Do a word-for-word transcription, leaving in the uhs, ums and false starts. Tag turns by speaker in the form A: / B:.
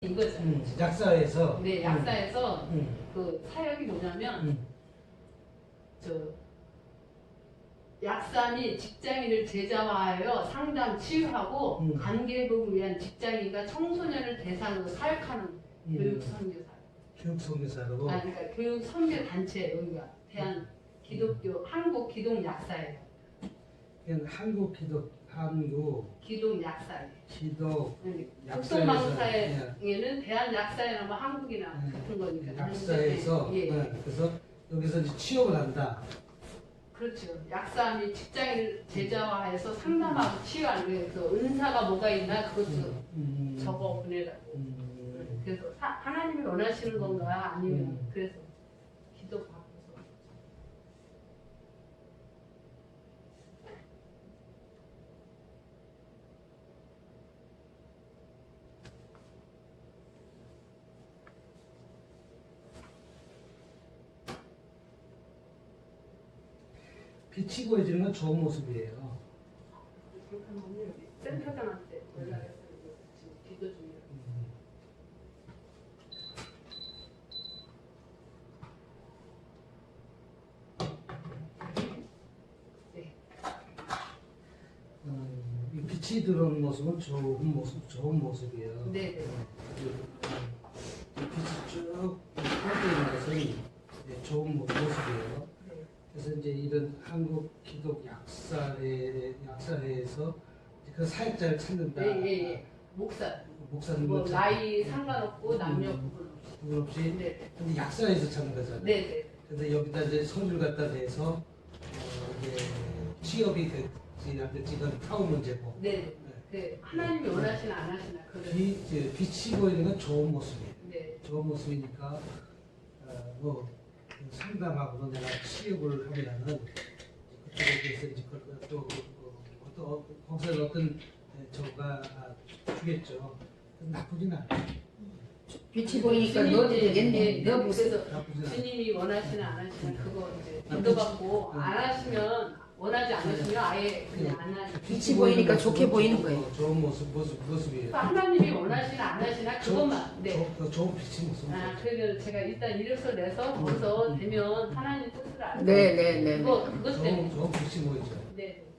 A: 이거죠.
B: 음, 약사에서.
A: 네, 약사에서
B: 음.
A: 그 사역이 뭐냐면
B: 음.
A: 저 약사니 직장인을 제자화하여 상담 치유하고
B: 음.
A: 관계 회복을 위한 직장인과 청소년을 대상으로 사역하는
B: 음.
A: 교육 선교사.
B: 교육 선교사로.
A: 아, 그러니까 교육 선교 단체 여기가 대한 기독교 한국 기독 약사예요.
B: 이건 한국 기독 한국
A: 기독 약사예요.
B: 기독
A: 국성방사에는 대한 약사회나 뭐 한국이나
B: 네.
A: 같은 거니까.
B: 약사에서
A: 예.
B: 네. 그래서 여기서 이제 취업을 한다.
A: 그렇죠. 약사 및 직장인을 제자화해서 상담하고 치유하는 거예요. 그래서 은사가 뭐가 있나 그것도
B: 음. 음.
A: 적어 보내라고.
B: 음.
A: 그래서 사, 하나님이 원하시는 건가 아니면
B: 음.
A: 그래서 기도 받고서.
B: 빛이 보여지는 건 좋은 모습이에요.
A: 잠깐만요. 여기 센터장한테 연락해서 지금 기도 중이에요.
B: 음.
A: 네.
B: 음, 이 빛이 들어오는 모습은 좋은 모습, 좋은 모습이에요.
A: 네, 네.
B: 이 빛이 쭉 뻗어있는 것은 네, 좋은 모- 모습이에요.
A: 네.
B: 그래서 이제 이런 한국 기독 약사회 약사회에서 그 사역자를 찾는다.
A: 예, 예, 예. 목사.
B: 목사님을
A: 뭐
B: 찾-
A: 나이 상관없고 남녀
B: 음.
A: 구분 없이.
B: 구분 없이.
A: 네.
B: 근데 약사회에서 찾는 거잖아요.
A: 네, 네.
B: 그래서 여기다 이제 서류를 갖다 대서 어, 이게 취업이 될지 안 될지 이건 타고 문제고.
A: 네. 그 하나님이 원하시나 안 하시나 그런.
B: 비, 이제 빛이 보이는 건 좋은 모습이에요.
A: 네.
B: 좋은 모습이니까 어, 뭐 상담하고 내가 취업을 하면은 그쪽에 대해서 이제 그- 또 어, 또 거기서 어떤 저가 주겠죠. 나쁘진 않아요.
C: 빛이 보이니까
A: 주님,
C: 넣어도
A: 예,
C: 되겠네.
A: 예,
C: 넣어보세요.
A: 그래서
B: 나쁘진 않아요.
A: 주님이 원하시나 안 하시나 그거 이제
B: 아,
A: 기도받고
B: 빛이-
A: 안 하시면 원하지 않으시면 아예 그냥 안 하시고.
C: 빛이 보이니까
B: 모습은
C: 좋게 보이는
B: 좋은-
C: 거예요.
B: 어, 좋은 모습 모습 모습이에요.
A: 그러니까 하나님이 원하시나 안 하시나 그것만. 네.
B: 조, 좋은 빛이 모습.
A: 아, 그러면 제가 일단 이력서 내서 거기서
B: 음.
A: 되면 하나님 뜻을 알고.
C: 네, 네, 네.
A: 그거 그것
B: 좋은
A: 때문에.
B: 좋은 빛이 보이죠.
A: 네.